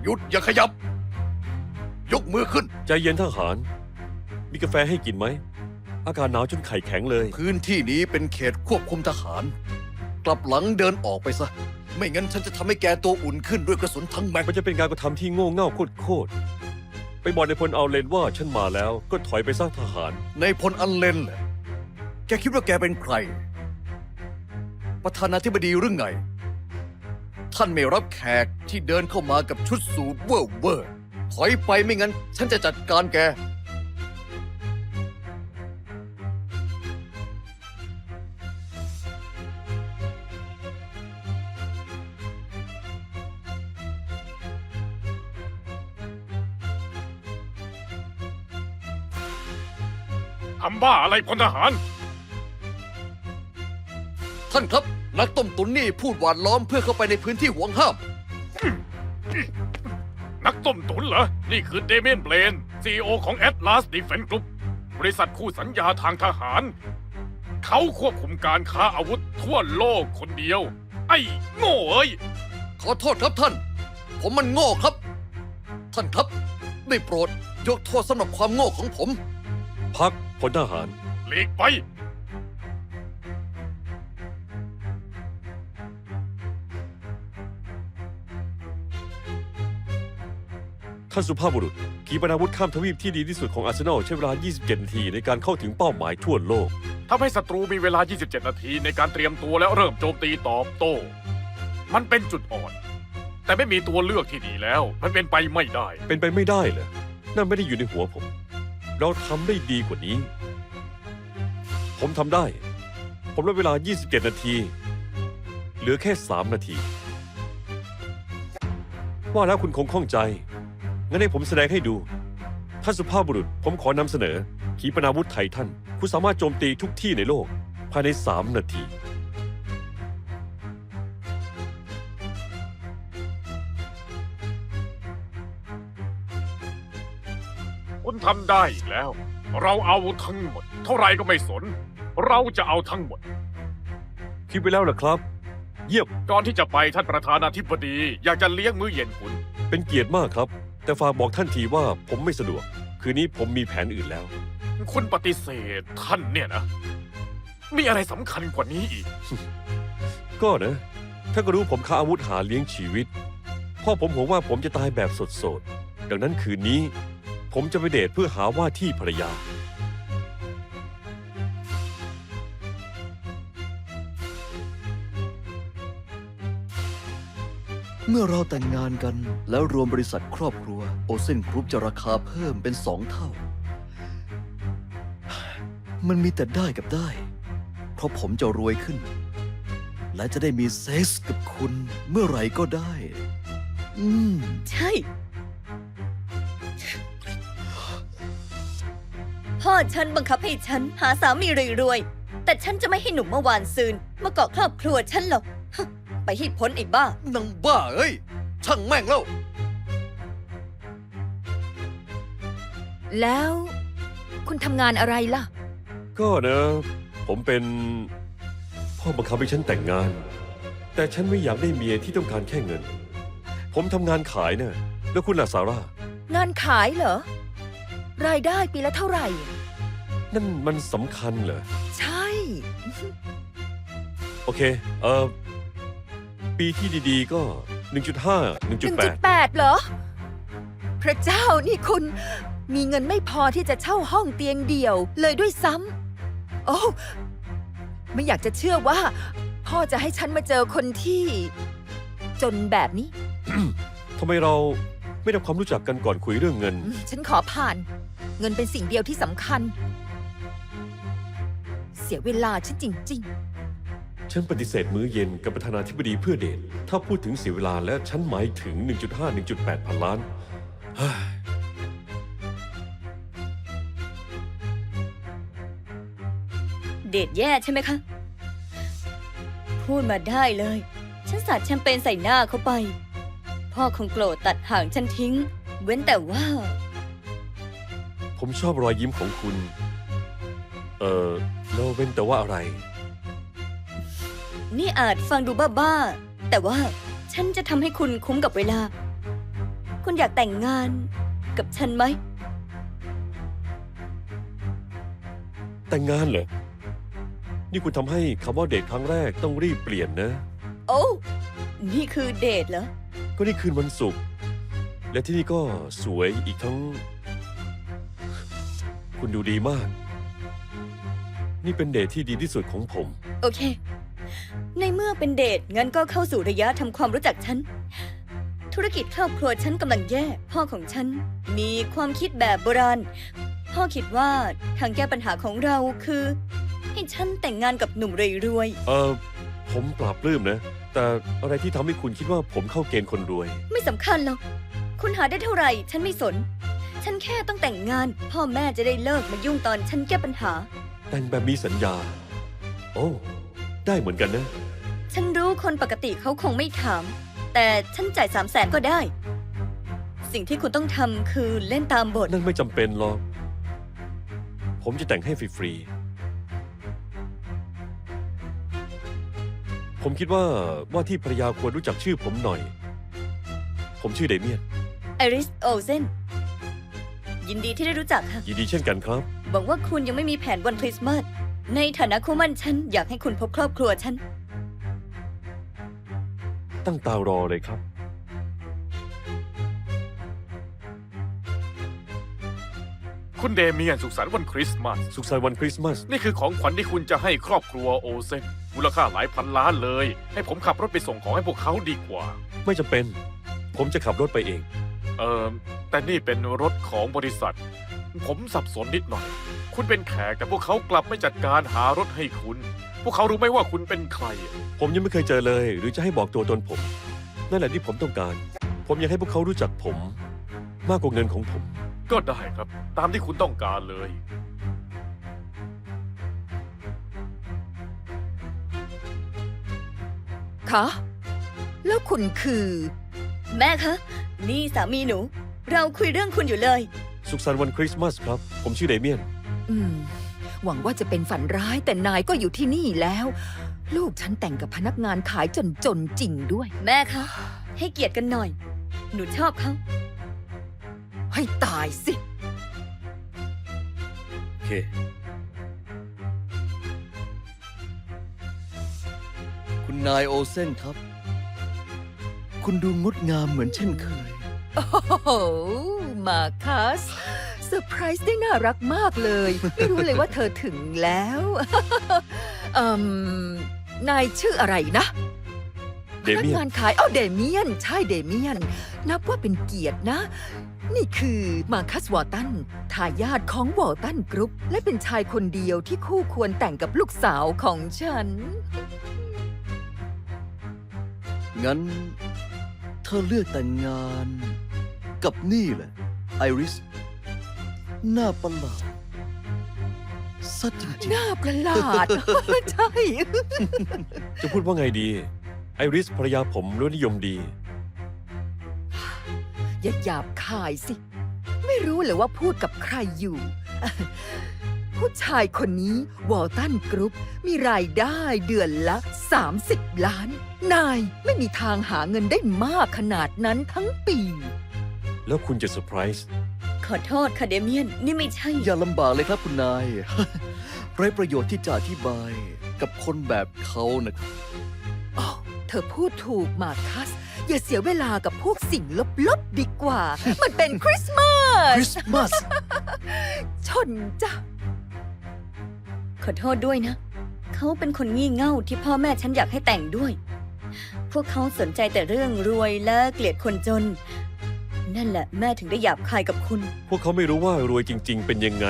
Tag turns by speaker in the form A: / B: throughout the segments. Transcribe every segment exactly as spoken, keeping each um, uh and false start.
A: หยุดอย่าขยับ ยกมือขึ้น
B: ใจเย็นทหาร มีกาแฟให้กินไหม อากาศหนาวจนไข่แข็งเลย
A: พื้นที่นี้เป็นเขตควบคุมทหาร กลับหลังเดินออกไปซะ ไม่งั้นฉันจะทำให้แกตัวอุ่นขึ้นด้วยกระสุนทั้งแม็ก
B: มันจะเป็นการกระทำที่โง่เง่าโคตรๆไปบอกในพลเอาเลนว่าฉันมาแล้วก็ถอยไปสร้างทหาร
A: ในพลอันเลนเหรอแกคิดว่าแกเป็นใคร ประธานาธิบดีหรือไง ท่านไม่รับแขกที่เดินเข้ามากับชุดสูทเวอร์เวอร์ถอยไปไม่งั้น ฉันจะจัดการแก
C: ทำบ้าอะไรพลทหาร
A: ท่านครับ นักต้มตุ๋นนี่พูดหวานล้อมเพื่อเข้าไปในพื้นที่ห่วงห้าม
C: นักต้มตุ๋นเหรอ นี่คือเดเมียนเบลน ซี อี โอ ของ Atlas Defense Group บริษัทคู่สัญญาทางทหาร เขาควบคุมการค้าอาวุธทั่วโลกคนเดียว ไอ้โง่เอ้ย
A: ขอโทษครับท่าน ผมมันโง่ครับ ท่านครับได้โปรดยกโทษสำหรับความโง่ของผม
B: พักพลทหาร
C: หลีกไป
B: ท่านสุภาพบุรุษขีปนาวุธข้ามทวีปที่ดีที่สุดของอาร์เซนอลใช้เวลา ยี่สิบเจ็ด นาทีในการเข้าถึงเป้าหมายทั่วโลก
C: ทำให้ศัตรูมีเวลา ยี่สิบเจ็ด นาทีในการเตรียมตัวแล้วเริ่มโจมตีตอบโต้ มันเป็นจุดอ่อน แต่ไม่มีตัวเลือกที่ดีแล้ว มันเป็นไปไม่ได้
B: เป็นไปไม่ได้เหรอนั่นไม่ได้อยู่ในหัวผม เราทำได้ดีกว่านี้ ผมทำได้ ผมลดเวลา ยี่สิบเจ็ด นาที เหลือแค่ สาม นาที ว่าแล้วคุณคงข้องใจ งั้นให้ผมแสดงให้ดู ท่านสุภาพบุรุษ ผมขอนำเสนอ ขีปนาวุธไททัน คุณสามารถโจมตีทุกที่ในโลก ภายใน สาม นาที
C: คุณทำได้อีกแล้ว เราเอาทั้งหมด เท่าไรก็ไม่สน เราจะเอาทั้งหมด
B: คิดไปแล้วเหรอครับ เยี่ยม
C: ก่อนที่จะไปท่านประธานาธิบดี อยากจะเลี้ยงมื้อเย็นคุณ
B: เป็นเกียรติมากครับ แต่ฝากบอกท่านทีว่าผมไม่สะดวก คืนนี้ผมมีแผนอื่นแล้ว
C: คุณปฏิเสธท่านเนี่ยนะ มีอะไรสำคัญกว่านี้อีก
B: ก็นะถ้านก็รู้ผมค้าอาวุธหาเลี้ยงชีวิต พ่อผมห่วงว่าผมจะตายแบบสดๆ ดังนั้นคืนนี้ ผมจะไปเดทเพื่อหาว่าที่ภรรยา
A: เมื่อเราแต่งงานกันแล้วรวมบริษัทครอบครัวโอเซนกรุ๊ปจะราคาเพิ่มเป็นสองเท่า มันมีแต่ได้กับได้ เพราะผมจะรวยขึ้น และจะได้มีเซ็กส์กับคุณเมื่อไหร่ก็ได้ อืม
D: ใช่ พ่อฉันบังคับให้ฉันหาสามีรวยๆแต่ฉันจะไม่ให้หนุ่มเมื่อวานซืนมาเกาะครอบครัวฉันหรอกฮะไปให้พ้นไอ้บ้า
A: นังบ้าเอ้ย ช่างแม่งแล้ว
E: แล้ว คุณทำงานอะไรล่ะ
B: ก็นะ ผมเป็น พ่อบังคับให้ฉันแต่งงาน แต่ฉันไม่อยากได้เมียที่ต้องการแค่เงิน ผมทำงานขายนะแล้วคุณล่ะซาร่า
E: งานขายเหรอ รายได้ปีละเท่าไหร่
B: นั่นมันสำคัญเหรอ
E: ใช่
B: โอเค เอ่อ ปีที่ดีๆก็ หนึ่งจุดห้า หนึ่งจุดแปด
E: หนึ่งจุดแปด เหรอ พระเจ้านี่คุณ มีเงินไม่พอที่จะเช่าห้องเตียงเดี่ยวเลยด้วยซ้ำ โอ้ไม่อยากจะเชื่อว่า พ่อจะให้ฉันมาเจอคนที่ จนแบบนี้
B: ทำไมเราไม่ทำความรู้จักกันก่อนคุยเรื่องเงิน
E: อืมฉันขอผ่าน เงินเป็นสิ่งเดียวที่สำคัญ เสียเวลาฉันจริง
B: ฉันปฏิเสธมื้อเย็นกับประธานาธิบดีเพื่อเดท ถ้าพูดถึงเสียเวลาและฉันหมายถึง หนึ่งจุดห้า หนึ่งจุดแปด พันล้านเฮ้ย
D: เดทแย่ใช่ไหมคะ พูดมาได้เลย ฉันสาดแชมเปญใส่หน้าเขาไป พ่อคงโกรธตัดห่างฉันทิ้ง เว้นแต่ว่า
B: ผมชอบรอยยิ้มของคุณ เอ่อแล้วเว้นแต่ว่าอะไร
D: นี่อาจฟังดูบ้าๆ แต่ว่าฉันจะทำให้คุณคุ้มกับเวลาคุณอยากแต่งงานกับฉันไหม
B: แต่งงานเหรอ นี่คุณทำให้คำว่าเดทครั้งแรกต้องรีบเปลี่ยนนะ
D: โอ้ นี่คือเดทเหรอ
B: ก็นี่คืนวันศุกร์และที่นี่ก็สวยอีกทั้ง คุณดูดีมาก นี่เป็นเดทที่ดีที่สุดของผม
D: โอเค ในเมื่อเป็นเดท งั้นก็เข้าสู่ระยะทำความรู้จักฉัน ธุรกิจครอบครัวฉันกำลังแย่ พ่อของฉันมีความคิดแบบโบราณ พ่อคิดว่าทางแก้ปัญหาของเราคือ ให้ฉันแต่งงานกับหนุ่มรวย
B: เออผมปราบปลื้มนะ แต่อะไรที่ทำให้คุณคิดว่าผมเข้าเกณฑ์คนรวย
D: ๆ ไม่สำคัญหรอก คุณหาได้เท่าไหร่ ฉันไม่สน ฉันแค่ต้องแต่งงาน พ่อแม่จะได้เลิกมายุ่งตอนฉันแก้ปัญหา
B: แต่งแบบมีสัญญา โอ้ ได้เหมือนกันนะ
D: ฉันรู้คนปกติเขาคงไม่ถาม แต่ฉันจ่ายสามแสนก็ได้ สิ่งที่คุณต้องทำคือเล่นตามบท
B: นั่นไม่จำเป็นหรอก ผมจะแต่งให้ฟรีๆ ผมคิดว่าว่าที่ภรรยาควรรู้จักชื่อผมหน่อย ผมชื่อเดเมียน
D: ไอริสโอเซน ยินดีที่ได้รู้จักค่ะ
B: ยินดีเช่นกันครับ
D: หวังว่าคุณยังไม่มีแผนวันคริสต์มาส ในฐานะคู่หมั่นฉันอยากให้คุณพบครอบครัวฉัน
B: ตั้งตารอเลยครับ
C: คุณเดเมียนสุขสันต์วันคริสต์มาส
B: สุขสันต์วันคริสต์มาส
C: นี่คือของขวัญที่คุณจะให้ครอบครัวโอเซนมูลค่าหลายพันล้านเลย ให้ผมขับรถไปส่งของให้พวกเขาดีกว่า
B: ไม่จำเป็น ผมจะขับรถไปเอง
C: เออแต่นี่เป็นรถของบริษัท ผมสับสนนิดหน่อย คุณเป็นแขกแต่พวกเขากลับไม่จัดการหารถให้คุณ พวกเขารู้ไหมว่าคุณเป็นใคร
B: ผมยังไม่เคยเจอเลย หรือจะให้บอกตัวตนผม นั่นแหละที่ผมต้องการ ผมอยากให้พวกเขารู้จักผม มากกว่าเงินของผม
C: ก็ได้ครับ ตามที่คุณต้องการเลย
E: คะ แล้วคุณคือ
D: แม่คะ นี่สามีหนู เราคุยเรื่องคุณอยู่เลย
B: สุขสันต์วันคริสต์มาสครับ ผมชื่อเดเมียน
E: อืม หวังว่าจะเป็นฝันร้ายแต่นายก็อยู่ที่นี่แล้ว ลูกฉันแต่งกับพนักงานขายจนจนๆจริงด้วย
D: แม่คะ ให้เกียรติกันหน่อย หนูชอบเขา
E: ให้ตายสิ
A: โอเค คุณนายโอเซนครับ คุณดูงดงามเหมือนเช่นเคย
E: โอ้โห มาคัสเซอร์ไพรส์ได้น่ารักมากเลย ไม่รู้เลยว่าเธอถึงแล้ว เอ่มนายชื่ออะไรนะ
B: เด
E: พนั
B: เมีย
E: งาน นขายอ้าวเดเมียน ใช่เดเมียน นับว่าเป็นเกียรตินะ นี่คือมาคัสวอร์ตันทายาทของวอร์ตันกรุ๊ป และเป็นชายคนเดียวที่คู่ควรแต่งกับลูกสาวของฉัน
A: งั้น เธอเลือกแต่งงาน กับนี่แหละ ไอริส หน้าประหลาดสัจจริง
E: หน้าประหลาด ใช่
B: จะพูดว่าไงดี ไอริสภรรยาผมรสนิยมดี
E: อย่าหยาบคายสิ ไม่รู้เลยว่าพูดกับใครอยู่ ผู้ชายคนนี้วอลตันกรุ๊ปมีรายได้เดือนละ สามสิบ ล้าน นายไม่มีทางหาเงินได้มากขนาดนั้นทั้งปี
B: แล้วคุณจะเซอร์ไพรส์
D: ขอโทษค่ะเดเมียน นี่ไม่ใช่
A: ๆ อย่าลำบากเลยครับคุณนาย ไร้ประโยชน์ที่จะอธิบายกับคนแบบเขานะครับ
E: โอ้เธอพูดถูกมาคัส อย่าเสียเวลากับพวกสิ่งลบๆดีกว่า มันเป็นคริสต์มา
A: ค
E: ส
A: ริสต์มาส
E: ชนจ้ะ
D: ขอโทษด้วยนะ เขาเป็นคนงี่เง่าที่พ่อแม่ฉันอยากให้แต่งด้วย พวกเขาสนใจแต่เรื่องรวยและเกลียดคนจน นั่นแหละแม่ถึงได้หยาบคายกับคุณ
B: พวกเขาไม่รู้ว่ารวยจริง ๆ เป็นยังไง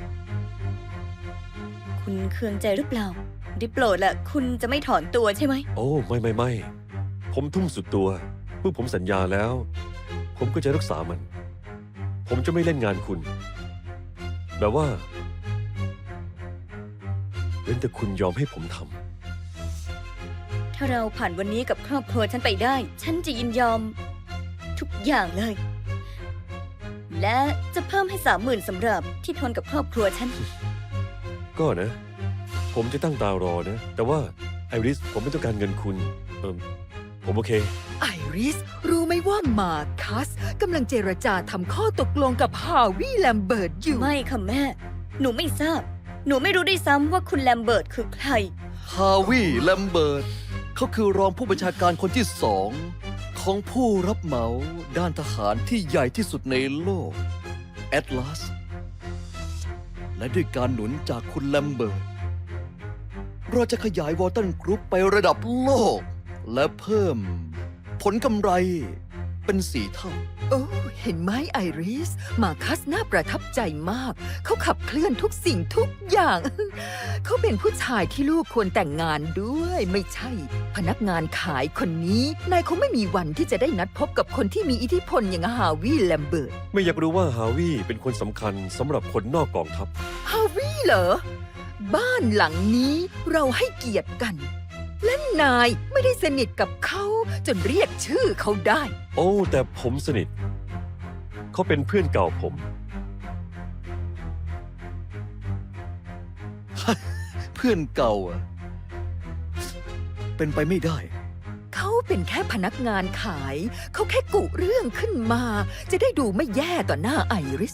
D: คุณเคืองใจหรือเปล่า ได้โปรดละคุณจะไม่ถอนตัวใช่ไหม
B: โอ้ ไม่ไม่ไม่ ผมทุ่มสุดตัว เมื่อผมสัญญาแล้ว ผมก็จะรักษามัน ผมจะไม่เล่นงานคุณ แบบว่าเว้นแต่คุณยอมให้ผมทำ
D: ถ้าเราผ่านวันนี้กับครอบครัวฉันไปได้ ฉันจะยินยอม ทุกอย่างเลย และจะเพิ่มให้สามหมื่นสำหรับที่ทนกับครอบครัวฉัน
B: ก็นะ ผมจะตั้งตารอนะ แต่ว่าไอริส ผมไม่ต้องการเงินคุณ เออผมผมโอเค
E: ไอริส รู้ไหมว่ามาคัสกำลังเจรจาทำข้อตกลงกับฮาวิแลมเบิร์ตอยู่
D: ไม่ค่ะแม่ หนูไม่ทราบ หนูไม่รู้ด้วยซ้ำว่าคุณแลมเบิร์ตคือใคร
A: ฮาวิแลมเบิร์ตเขาคือรองผู้บัญชาการคนที่สองของผู้รับเหมาด้านทหารที่ใหญ่ที่สุดในโลกแอตลาสและด้วยการหนุนจากคุณแลมเบิร์ตเราจะขยายวอลตันกรุ๊ปไประดับโลก และเพิ่มผลกำไรเป็นสี่เท่า
E: โอ้เห็นไหมไอริส มาคัสน่าประทับใจมาก เขาขับเคลื่อนทุกสิ่งทุกอย่าง เขาเป็นผู้ชายที่ลูกควรแต่งงานด้วย ไม่ใช่ พนักงานขายคนนี้ นายคงไม่มีวันที่จะได้นัดพบกับคนที่มีอิทธิพลอย่างฮาวิแลมเบิร์ต
B: ไม่อยากรู้ว่าฮาวิเป็นคนสำคัญสำหรับคนนอกกองทัพ
E: ฮาวิเหรอ บ้านหลังนี้เราให้เกียรติกัน และนายไม่ได้สนิทกับเขาจนเรียกชื่อเขาได้
B: โอ้ แต่ผมสนิท เขาเป็นเพื่อนเก่าผม
A: เพื่อนเก่าอะเป็นไปไม่ได้
E: เขาเป็นแค่พนักงานขาย เขาแค่กุเรื่องขึ้นมา จะได้ดูไม่แย่ต่อหน้าไอริส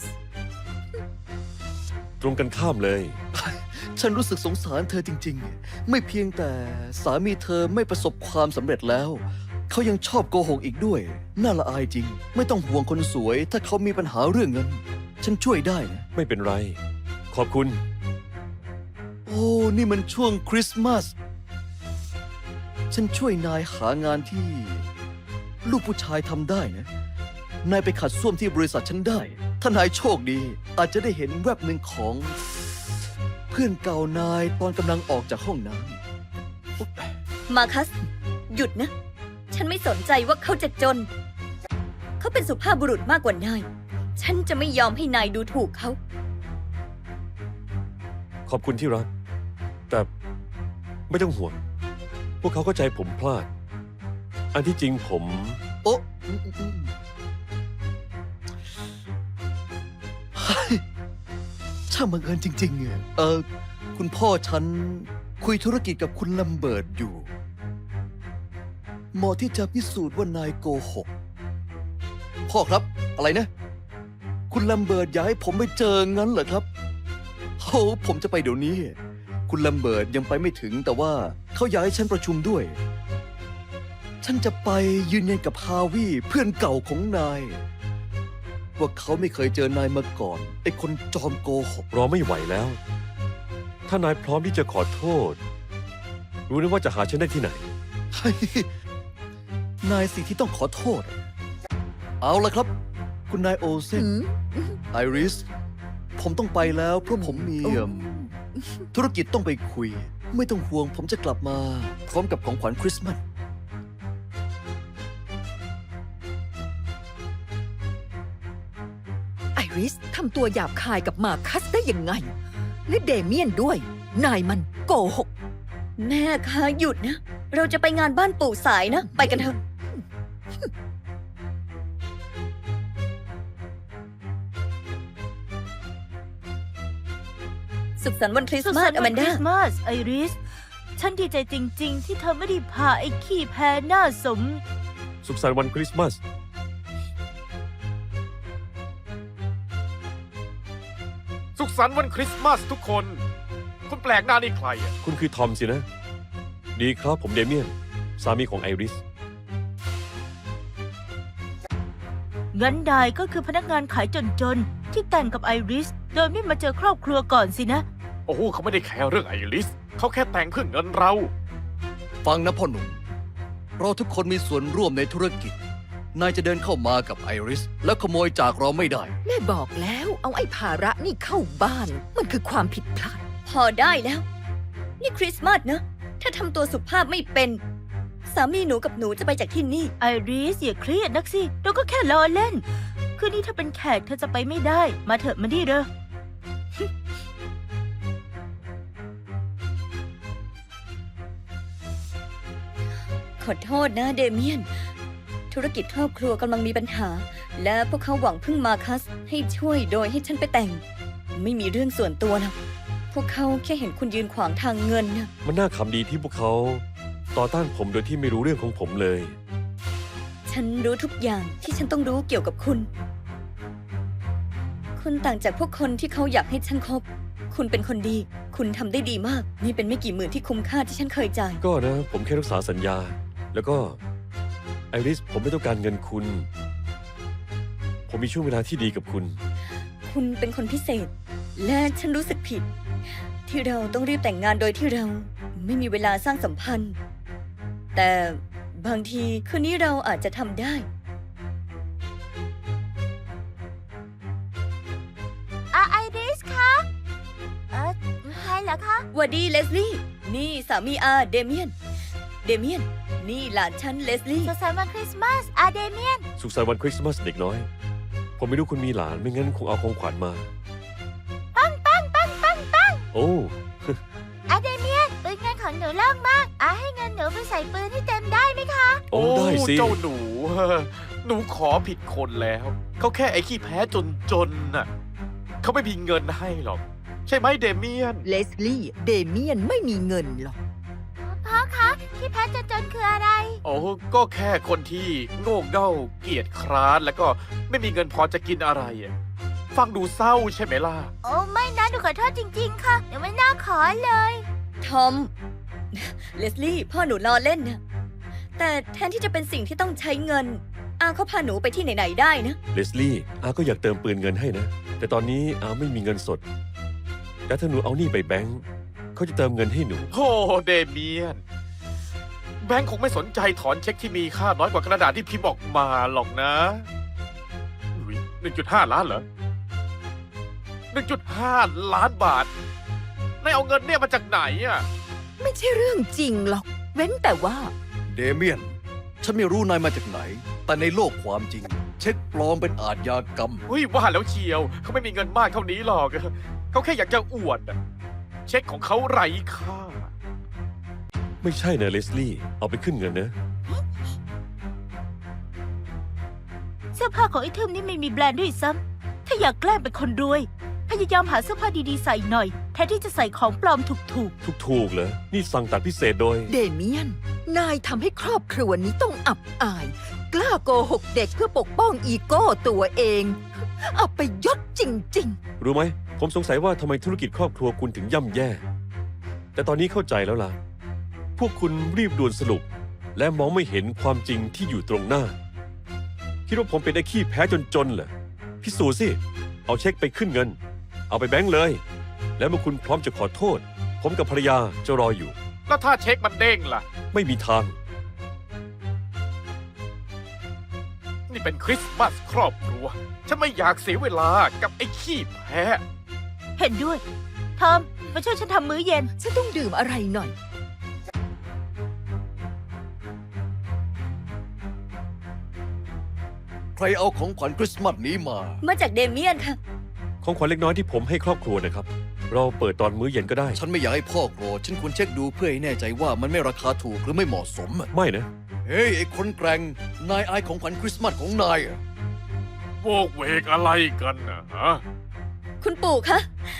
B: ตรงกันข้ามเลย
A: ฉันรู้สึกสงสารเธอจริงๆ ไม่เพียงแต่สามีเธอไม่ประสบความสำเร็จแล้ว เขายังชอบโกหกอีกด้วย น่าละอายจริง ไม่ต้องห่วงคนสวย ถ้าเขามีปัญหาเรื่องเงิน ฉันช่วยได้นะ
B: ไม่เป็นไร ขอบคุณ
A: โอ้ นี่มันช่วงคริสต์มาส ฉันช่วยนายหางานที่ ลูกผู้ชายทำได้นะ นายไปขัดส้วมที่บริษัทฉันได้ ถ้านายโชคดี อาจจะได้เห็นแวบหนึ่งของ เพื่อนเก่านายตอนกำลังออกจากห้องน้ำอุ๊บ
D: มาคัส หยุดนะ ฉันไม่สนใจว่าเขาจะจน เขาเป็นสุภาพบุรุษมากกว่านาย ฉันจะไม่ยอมให้นายดูถูกเขา
B: ขอบคุณที่รัก แต่ไม่ต้องห่วง พวกเขาเข้าใจผมพลาด อันที่จริงผม
A: โอ๊ะอืมอืมอืมเฮ้ยช่างบังเอิญจริงๆอะเออ คุณพ่อฉันคุยธุรกิจกับคุณลัมเบิร์ตอยู่เหมาะที่จะพิสูจน์ว่านายโกหก พ่อครับ อะไรนะ คุณลัมเบิร์ตอยากให้ผมไปเจองั้นเหรอครับโอ้ผมจะไปเดี๋ยวนี้ คุณลัมเบิร์ตยังไปไม่ถึงแต่ว่าเขาอยากให้ฉันประชุมด้วย ฉันจะไปยืนยันกับฮาวิเพื่อนเก่าของนาย ว่าเขาไม่เคยเจอนายมาก่อนไอ้คนจอมโกหก
B: รอไม่ไหวแล้ว ถ้านายพร้อมที่จะขอโทษ รู้นะว่าจะหาฉันได้ที่ไหน
A: เฮ้ยนายสิที่ต้องขอโทษ เอาละครับ คุณนายโอเซน
E: หืม
A: ไอริส ผมต้องไปแล้วเพราะผมมี
E: โอ้
A: เอิ่มธุรกิจต้องไปคุย ไม่ต้องห่วงผมจะกลับมา พร้อมกับของขวัญคริสต์มาส
E: ไอริสทำตัวหยาบคายกับมาคัสได้ยังไง และเดเมียนด้วย นายมันโกหก
D: แม่คะหยุดนะ เราจะไปงานบ้านปู่สายนะ ไปกันเถอะ สุขสันต์วันคริส
F: สุ
D: ต์
F: ข
D: มา
F: สั
D: ส
F: นต์
D: อ
F: วั
D: แม
F: น
D: น
F: คริ
D: ดา
F: สต์มาสไอริส ฉันดีใจจริง ๆ ที่เธอไม่ได้พาไอ้ขี้แพ้หน้าสม
B: สุขสันต์วันคริสต์มาส
C: สุขสันต์วันคริสต์มาสทุกคน คุณแปลกหน้านี่ใครอ่ะ
B: คุณคือทอมสินะ ดีครับผมเดเมียน สามีของไอริส
F: งั้นนายก็คือพนักงานขายจน ๆ ที่แต่งกับไอริส โดยไม่มาเจอครอบครัวก่อนสินะ
C: โอ้โหเขาไม่ได้แคร์เรื่องไอริส เขาแค่แต่งเพื่อเงินเรา
A: ฟังนะพ่อหนุ่ม เราทุกคนมีส่วนร่วมในธุรกิจ นายจะเดินเข้ามากับไอริส แล้วขโมยจากเราไม่ได้
E: แม่บอกแล้วเอาไอ้ภาระนี่เข้าบ้าน มันคือความผิดพลาด
D: พอได้แล้ว นี่คริสต์มาสนะ ถ้าทำตัวสุภาพไม่เป็น สามีหนูกับหนูจะไปจากที่นี่
F: ไอริสอย่าเครียดนักสิ เราก็แค่ล้อเล่น คืนนี้ถ้าเป็นแขกเธอจะไปไม่ได้ มาเถอะมาดิเด้อ
D: ขอโทษนะเดเมียน ธุรกิจครอบครัวกำลังมีปัญหา และพวกเขาหวังพึ่งมาคัสให้ช่วยโดยให้ฉันไปแต่ง ไม่มีเรื่องส่วนตัวหรอกพวกเขาแค่เห็นคุณยืนขวางทางเงินนะ
B: มันน่าขำดีที่พวกเขา ต่อต้านผมโดยที่ไม่รู้เรื่องของผมเลย
D: ฉันรู้ทุกอย่างที่ฉันต้องรู้เกี่ยวกับคุณ คุณต่างจากพวกคนที่เขาอยากให้ฉันคบ คุณเป็นคนดี คุณทำได้ดีมาก นี่เป็นไม่กี่หมื่นที่คุ้มค่าที่ฉันเคยจ่าย
B: ก็นะ ผมแค่รักษาสัญญา แล้วก็ไอริสผมไม่ต้องการเงินคุณ ผมมีช่วงเวลาที่ดีกับคุณ
D: คุณเป็นคนพิเศษ และฉันรู้สึกผิด ที่เราต้องรีบแต่งงานโดยที่เราไม่มีเวลาสร้างสัมพันธ์ แต่บางทีคืนนี้เราอาจจะทำได้
F: อาไอริสคะเออใครเหรอคะ
D: หวัดดีเลสลี่ นี่สามีอาเดเมียน เดเมียน นี่หลานฉันเลสลี่
F: สุขสันต์วันคริสต์มาสอาเดเมียน
B: สุขสันต์วันคริสต์มาสเด็กน้อย ผมไม่รู้คุณมีหลาน ไม่งั้นคงเอาของขวัญมา
F: ปังปังปังปังปัง
B: โอ้
F: อาเดเมียนปืนเงินของหนูโล่งมากอาให้เงินหนูไปใส่ปืนให้เต็มได้ไหมคะ
B: โอ้ได้สิ
C: เจ้าหนู หนูขอผิดคนแล้ว เขาแค่ไอ้ขี้แพ้จนจนน่ะ เขาไม่มีเงินให้หรอก ใช่ไหมเดเมียน
E: เลสลี่ เดเมียนไม่มีเงินหรอก
F: พ่อคะที่แพ้จนจนคืออะไร
C: โอ้ก็แค่คนที่โง่เง่าเกียจคร้านแล้วก็ไม่มีเงินพอจะกินอะไรอะฟังดูเศร้าใช่ไหมล่ะ
F: โอ้ไม่นะหนูขอโทษจริง ๆ ค่ะหนูไม่น่าขอเลย
D: ทอม เลสลี่ พ่อหนูล้อเล่นนะ แต่แทนที่จะเป็นสิ่งที่ต้องใช้เงิน อาเขาพาหนูไปที่ไหนๆได้นะ
B: เลสลี่อาก็อยากเติมปืนเงินให้นะ แต่ตอนนี้อาไม่มีเงินสด แต่ถ้าหนูเอานี่ไปแบงค์เขาจะเติมเงินให้หนู
C: โอ้เดเมียน แบงค์คงไม่สนใจถอนเช็คที่มีค่าน้อยกว่ากระดาษที่พิมพ์ออกมาหรอกนะหนึ่งจุดห้าล้านเหรอหนึ่งจุดห้าล้านบาทนายเอาเงินเนี่ยมาจากไหนอ่ะ
E: ไม่ใช่เรื่องจริงหรอก เว้นแต่ว่า
A: เดเมียน ฉันไม่รู้นายมาจากไหน แต่ในโลกความจริง เช็คปลอมเป็นอาชญากรรม
C: เฮ้ยว่าแล้วเชียว เขาไม่มีเงินมากเท่านี้หรอก เขาแค่อยากจะอวดอะเช็คของเขาไร้ค่า
B: ไม่ใช่นะเลสลี่ เอาไปขึ้นเงินนะ
F: เสื้อผ้าของไอ้ทึมนี่ไม่มีแบรนด์ด้วยซ้ำถ้าอยากแกล้งเป็นคนรวย พยายามหาเสื้อผ้าดีๆใส่หน่อย แทนที่จะใส่ของปลอมถูก
B: ถูกๆเหรอ นี่สั่งตัดพิเศษโดย
E: เดเมียน นายทำให้ครอบครัวนี้ต้องอับอาย กล้าโกหกเด็กเพื่อปกป้องอีโก้ตัวเอง อับไปยศจริง
B: รู้ไหม ผมสงสัยว่าทำไมธุรกิจครอบครัวคุณถึงย่ำแย่ แต่ตอนนี้เข้าใจแล้วล่ะ พวกคุณรีบด่วนสรุป และมองไม่เห็นความจริงที่อยู่ตรงหน้า คิดว่าผมเป็นไอ้ขี้แพ้จนๆเหรอ พิสูจน์สิ เอาเช็คไปขึ้นเงิน เอาไปแบงค์เลย แล้วเมื่อคุณพร้อมจะขอโทษ ผมกับภรรยาจะรออยู่
C: แล้วถ้าเช็คมันเด้งล่ะ
B: ไม่มีทาง
C: นี่เป็นคริสต์มาสครอบครัว ฉันไม่อยากเสียเวลากับไอ้ขี้แพ้
F: ๆ เห็นด้วย ทอม มาช่วยฉันทำมื้อเย็น
E: ๆ ฉันต้องดื่มอะไรหน่อย
A: ใครเอาของขวัญคริสต์มาสนี้มา
D: มาจากเดเมียนค่ะ
B: ของขวัญเล็กน้อยที่ผมให้ครอบครัวนะครับ เราเปิดตอนมื้อเย็นก็ได้
A: ฉันไม่อยากให้พ่อโกรธฉันควรเช็คดูเพื่อให้แน่ใจว่ามันไม่ราคาถูกหรือไม่เหมาะสมอะ
B: ไม่นะ
A: เฮ้ย ไอ้คนแกร่ง นายอายของขวัญคริสต์มาสของนายอะ
C: โวกเวกอะไรกันนะฮะ
D: คุณปู่คะ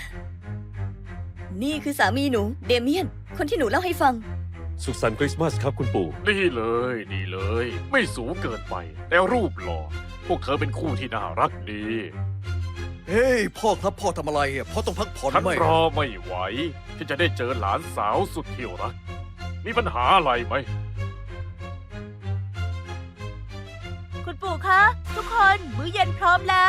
D: นี่คือสามีหนู เดเมียน คนที่หนูเล่าให้ฟัง
B: สุขสันต์คริสต์มาสครับคุณปู่
C: นี่เลยนี่เลย ไม่สูงเกินไป แต่รูปหล่อ พวกเธอเป็นคู่ที่น่ารักดี
A: เฮ้ย พ่อครับพ่อทำอะไรอะพ่อต้องพักผ่อน
C: ฉัน
A: ไหม
C: รอไม่ไหว ที่จะได้เจอหลานสาวสุดที่รัก มีปัญหาอะไรไหม
F: คุณปู่คะ ทุกคน มื้อเย็นพร้อมแล้ว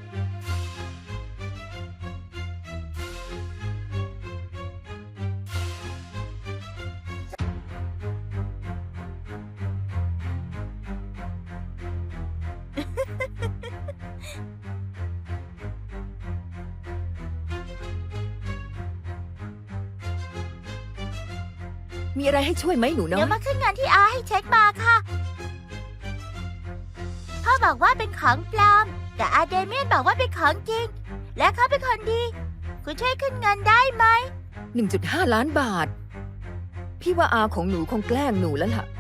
E: มีอะไรให้ช่วยไหมหนูน้อ
F: เดี๋ย
E: ยว
F: มาขึ้นเงินที่อาให้เช็คมาค่ะ พ่อบอกว่าเป็นของปลอม แต่อาเดเมียนบอกว่าเป็นของจริง และเขาเป็นคนดี คุณช่วยขึ้นเงินได้ไหม
E: หนึ่งจุดห้าล้านบาท พี่ว่าอาของหนูคงแกล้งหนูแล้วล่ะ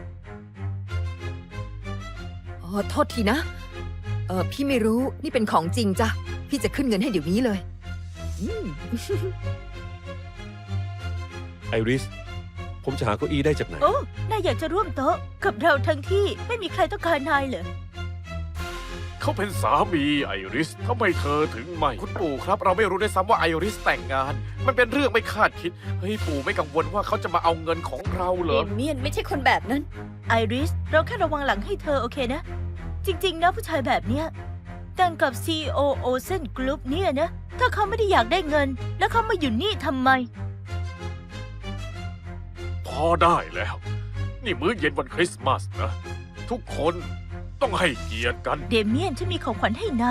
E: อ๋อ โทษทีนะ เออพี่ไม่รู้ นี่เป็นของจริงจ้ะ พี่จะขึ้นเงินให้เดี๋ยวนี้เลย อืม
B: ไอริส ผผมจะหาเก้าอี้ได้จากไหน
F: โอ้ นายอยากจะร่วมโต๊ะกับเราทั้งที่ไม่มีใครต้องการนายเหรอ
C: เขาเป็นสามีไอริสทำไมเธอถึงไม่คุณปู่ครับ เราไม่รู้ด้วยซ้ำว่าไอริสแต่งงาน มันเป็นเรื่องไม่คาดคิด เฮ้ยปู่ไม่กังวลว่าเขาจะมาเอาเงินของเราเหร
D: เด
C: อ
D: เมียนไม่ใช่คนแบบนั้น
F: ไอริส เราแค่ระวังหลังให้เธอโอเคนะ จริง ๆ นะผู้ชายแบบเนี้ยแต่งกับ ซี อี โอ โอเซนกรุ๊ปเนี่ยนะ ถ้าเขาไม่ได้อยากได้เงิน แล้วเขามาอยู่นี่ทำไม
C: พอได้แล้ว นี่มื้อเย็นวันคริสต์มาสนะ ทุกคนต้องให้เกียรติกัน
F: เดเมียนฉันมีของขวัญให้นาย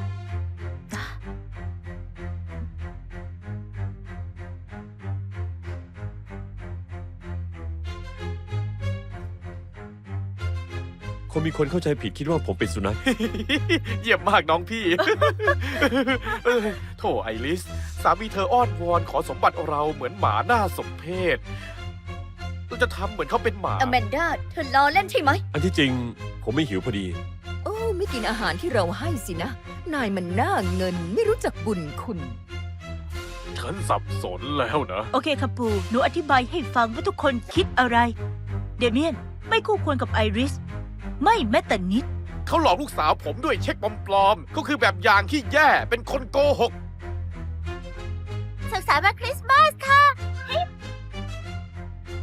B: คงมีคนเข้าใจผิดคิดว่าผมเป็นสุนัข
C: เยี่ยมมากน้องพี่ เอ้ยโถไอริส สามีเธออ้อนวอนขอสมบัติเราเหมือนหมาหน้าสมเพชเราจะทำเหมือนเขาเป็นหมา
D: อแมนดาเธอล้อเล่นใช่ไหม
B: อันที่จริง ผมไม่หิวพอดี
E: โอ้ ไม่กินอาหารที่เราให้สินะ นายมันหน้าเงินไม่รู้จักบุญคุณ
C: ฉันสับสนแล้วนะ
F: โอเคค่ะปู่หนูอธิบายให้ฟังว่าทุกคนคิดอะไร เดเมียนไม่คู่ควรกับไอริส ไม่แม้แต่นิด
C: เขาหลอกลูกสาวผมด้วยเช็คปลอมๆก็คือแบบอย่างที่แย่เป็นคนโกหก
F: สุขสันต์วันคริสต์มาสค่ะ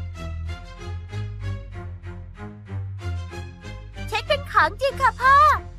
F: เช็คเป็นของจริงค่ะพ่อ